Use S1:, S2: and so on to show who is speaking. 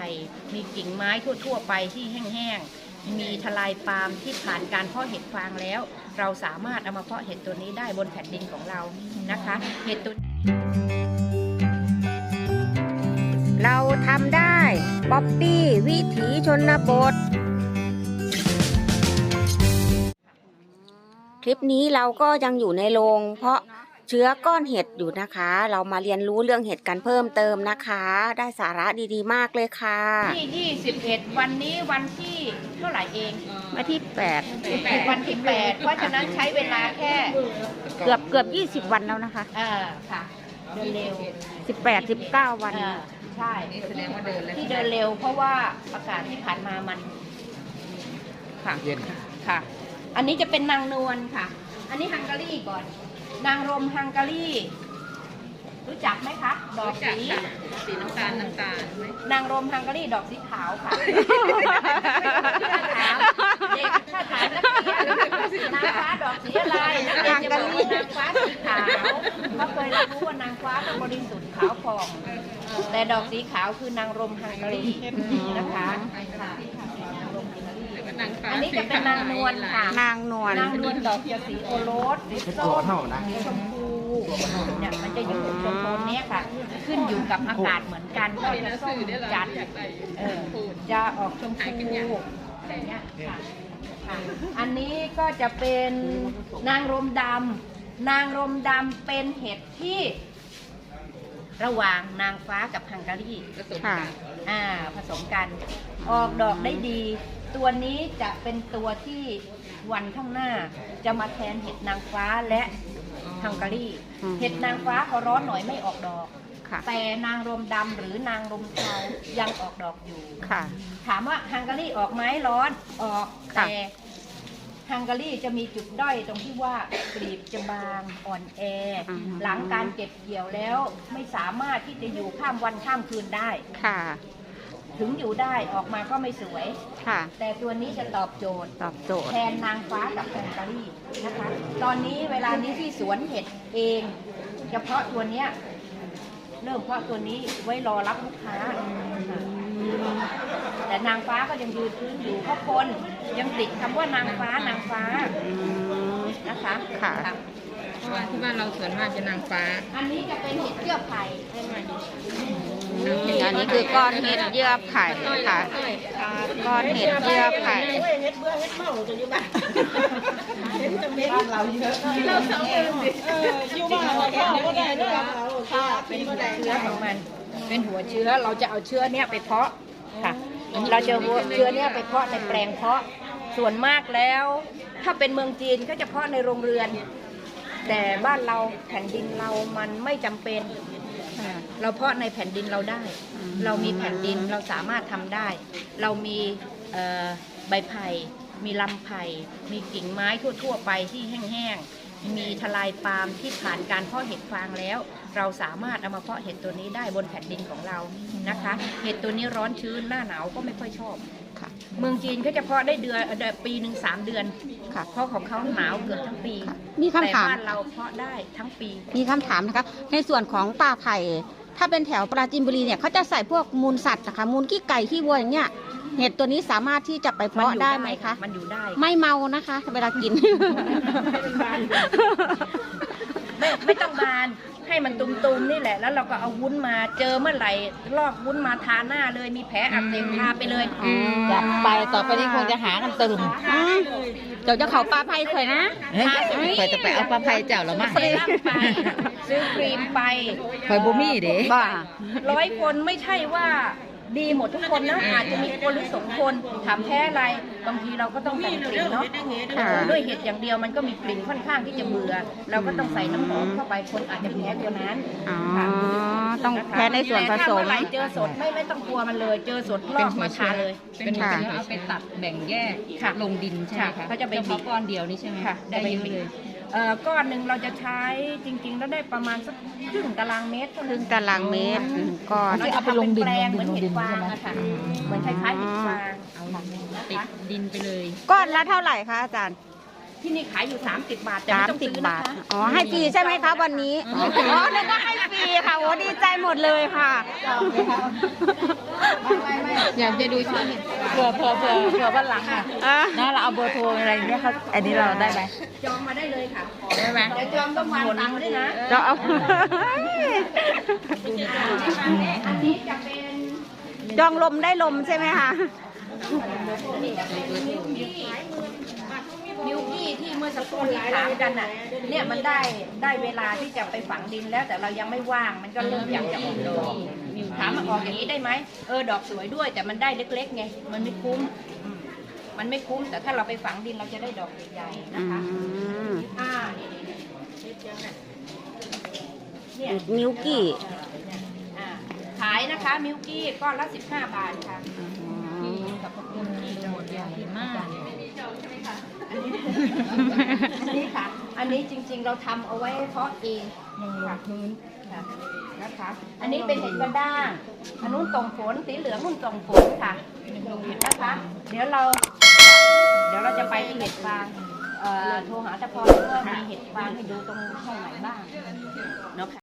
S1: ผ่มีกิ่งไม้ทั่วๆไปที่แห้งๆมีทลายปาล์มที่ผ่านการเพาะเห็ดฟางแล้วเราสามารถเอามาเพาะเห็ดตัวนี้ได้บนแผ่นดินของเรานะคะเห็ดตัว
S2: เราทำได้ป๊อปปี้วิถีชนบทคลิปนี้เราก็ยังอยู่ในโรงเพาะเชื้อก้อนเห็ดอยู่นะคะเรามาเรียนรู้เรื่องเห็ดกันเพิ่มเติมนะคะได้สาระดีๆมากเลยค่ะ
S1: ที่21วันนี้วันที่เท่าไหร่เอง
S2: วันที่8
S1: วันที่8เพราะฉะนั้นใช้เวลาแค่
S2: เกือบ20วันแล้วนะคะ
S1: ค่ะเดินเร็ว
S2: 18-19วัน
S1: ใช่ที่เดินเร็วเพราะว่าอากาศที่ผ่านมามันค่ะ
S3: เย็น
S1: ค่ะอันนี้จะเป็นนางนวลค่ะอันนี้ฮังการีก่อนนางรมฮังการีรู้จักไหมคะดอกสีน้ำตาลนางรมฮังการีดอกสีขาวค่ะถ้าถามนักเรียนนางฟ้าดอกสีอะไรนางการีนางฟ้าสีขาวเขาเคยรู้ว่านางฟ้าต้องบริสุทธิ์ขาวผ่องแต่ดอกสีขาวคือนางรมฮังการีนะคะอันนี้จะเป็นนางนวลค่ะ
S2: นางนวล
S1: ดอกจะสีโอรสสีส้มสีชมพูเนี่ยมันจะอยู่ชมพูนี้ค่ะขึ้นอยู่กับอากาศเหมือนกันก็จะส้มจัดจะออกชมพูอะไรเงี้ยค่ะอันนี้ก็จะเป็นนางรมดำนางรมดำเป็นเห็ดที่ระหว่างนางฟ้ากับฮังการีผสมกันออกดอกได้ดีตัวนี้จะเป็นตัวที่วันข้างหน้าจะมาแทนเห็ดนางฟ้าและฮังการีเห็ดนางฟ้าพอร้อนหน่อยไม่ออกดอกแต่นางรมดำหรือนางรมเทายังออกดอกอยู่ถามว่าฮังการีออกไหมร้อนออกแต่ฮังการีจะมีจุดด้อยตรงที่ว่ากลีบจะบางอ่อนแอหลังการเก็บเกี่ยวแล้วไม่สามารถที่จะอยู่ข้ามวันข้ามคืนได้ถึงอยู่ได้ออกมาก็ไม่สวยแต่ตัวนี้จะตอบโจทย์แทนนางฟ้ากับฮังการีนะคะตอนนี้เวลานี้ที่สวนเห็ดเองเฉพาะตัวเนี้ยเริ่มเพาะตัวนี้ไว้รอรับลูกค้าแต่นางฟ้าก็ยังยืนพื้นอยู่เพราะคนยังติดคำว่านางฟ้านะคะ
S4: เพราะว่าที่บ้านเราส่วนมากจะนางฟ้า
S1: อันนี้จะเป็นเห็ดเยื่อไผ่
S2: อันนี้คือก้อนเห็ดเยื่อไผ่ค่ะก้อนเห็ดเยื่อไผ่
S3: เห็ดเบื่อเห็ดเมาจะอยู่บ้านเห็ดจะเม็ดเราเยอะเราสองอยู่บ้านเราก็ได้ด้วยค่ะเป็นเชื้อ
S1: ของมันเป็นหัวเชื้อเราจะเอาเชื้อเนี้ยไปเพาะค่ะเราจะเชื้อเนี้ยไปเพาะในแปลงเพาะส่วนมากแล้วถ้าเป็นเมืองจีนก็จะเพาะในโรงเรือนแต่บ้านเราแผ่นดินเรามันไม่จำเป็นเราเพาะในแผ่นดินเราได้เรามีแผ่นดินเราสามารถทำได้เรามีใบไผ่มีลำไผ่มีกิ่งไม้ทั่วๆไปที่แห้งๆมีทลายปาล์มที่ผ่านการเพาะเห็ดฟางแล้วเราสามารถเอามาเพาะเห็ดตัวนี้ได้บนแผ่นดินของเรานะคะเห็ดตัวนี้ร้อนชื้นหน้าหนาวก็ไม่ค่อยชอบเมืองจีนเขาจะเพาะได้ปีหนึ่ง3 เดือนเพราะของเขาหนาวเกือบทั้งปี
S2: มีคำถาม
S1: แต่บ้านเราเพาะได้ทั้งปี
S2: มีคำถามนะคะในส่วนของป่าไผ่ถ้าเป็นแถวปราจีนบุรีเนี่ยเขาจะใส่พวกมูลสัตว์นะคะมูลขี้ไก่ขี้วัวอย่างเงี้ยเห็ดตัวนี้สามารถที่จะไปเพาะได้ไหมคะ
S1: มันอยู่ได้
S2: ไม่เมานะคะเวลากิน
S1: ไม่ต้องบานให้มันตุ่มๆนี่แหละแล้วเราก็เอาวุ้นมาเจอเมื่อไหร่ลอกวุ้นมาทาหน้าเลยมีแผลอักเสบทาไปเลย
S4: จัดไปต่อไปนี้คงจะหากันตึม
S2: เดี๋ยวจะเขาปลาไผ่ข่อยนะ
S4: ข่อยจะไปเอาปลาไผ่เจ้าหรือมั้ง
S1: ซื้อครีมไป
S4: ข่อยบูมี่เด้
S2: บ้า
S1: 100 คนไม่ใช่ว่าดีหมดทุกคนนะอาจจะมีคนหรือ2 คนถามแพ้อะไรบางทีเราก็ต้องแต่งกลิ่นเนาะด้วยเห็ดอย่างเดียวมันก็มีกลิ่นค่อนข้างที่จะเบื่อเราก็ต้องใส่น้ำหอมเข้าไปคนอาจจะแพ้ตัวนั้น
S2: ต้องแพ้ในส่วนผสม
S1: เจอสดไม่ต้องกลัวมันเลยเจอสดลอกมาทาเลย
S4: เป็นเอาไปตัดแบ่งแยกลงดินใช่ไหมคะ
S1: เขาจะไปบีบ
S4: ก้อนเดียวนี่ใช่ไหม
S1: ได้เยอะเลยก้อนหนึ่งเราจะใช้จริงๆแล้วได้ประมาณสักครึ่งตารางเมตร
S2: ก้อน
S1: เราจะทำเป็นแปลงเหมือนเห็ดฟางนะคะเหมือนคล้ายๆเห็ดฟาง
S4: ติดดินไปเลย
S2: ก้อนละเท่าไหร่คะอาจารย์
S1: ที่นี่ขายอยู่30 บาทแต่ไม่ต้องซื้อนะคะ
S2: ให้ฟรีใช่ไหมคะวันนี้นึกว่าให้ฟรีค่ะโอ้ดีใจหมดเลยค่ะ
S1: ไม่
S4: อยากจะดูชื่อเผื่อวันหลังอ่ะ
S2: อ่ะ
S4: นะเราเอาเบอร์โทรอะไรเนี้ยเขาอันนี้เราได้ไหม
S1: จองมาได้เลยค่ะ
S4: ได้ไหม
S1: เดี๋ยวจองต้องวางตังค์ด้วยนะ
S2: จะเอา
S1: อันนี้จะเป็น
S2: จองลมได้ลมใช่ไหมคะ
S1: มิวกี้ที่เมื่อสักครู่ที่ถามกันน่ะเนี่ยมันได้เวลาที่จะไปฝังดินแล้วแต่เรายังไม่ว่างมันก็เริ่มอยากจะออกดอกถามมาออกอย่างนี้ได้ไหมดอกสวยด้วยแต่มันได้เล็กๆไงมันไม่คุ้มมันไม่คุ้มแต่ถ้าเราไปฝังดินเราจะได้ดอกใหญ่ๆนะคะเนี่ย
S2: มิวกี้
S1: ขายนะคะมิวกี้ก้อนละ15 บาทค่ะ
S4: กับพวกคุณที่หมดอย่างดีมาก
S1: อันนี้ค่ะ อันนี้จริงๆเราทำเอาไว้เพาะเองค่ะค่ะนะคะ อันนี้เป็นเห็ดกระด้างอันนู้นตรงฝนสีเหลืองนู้นตรงฝนค่ะนะคะ เดี๋ยวเราจะไปที่เห็ดฟางโทรหาตะพรว่ามีเห็ดฟางให้ดูตรงห้องไหนบ้างเนาะค่ะ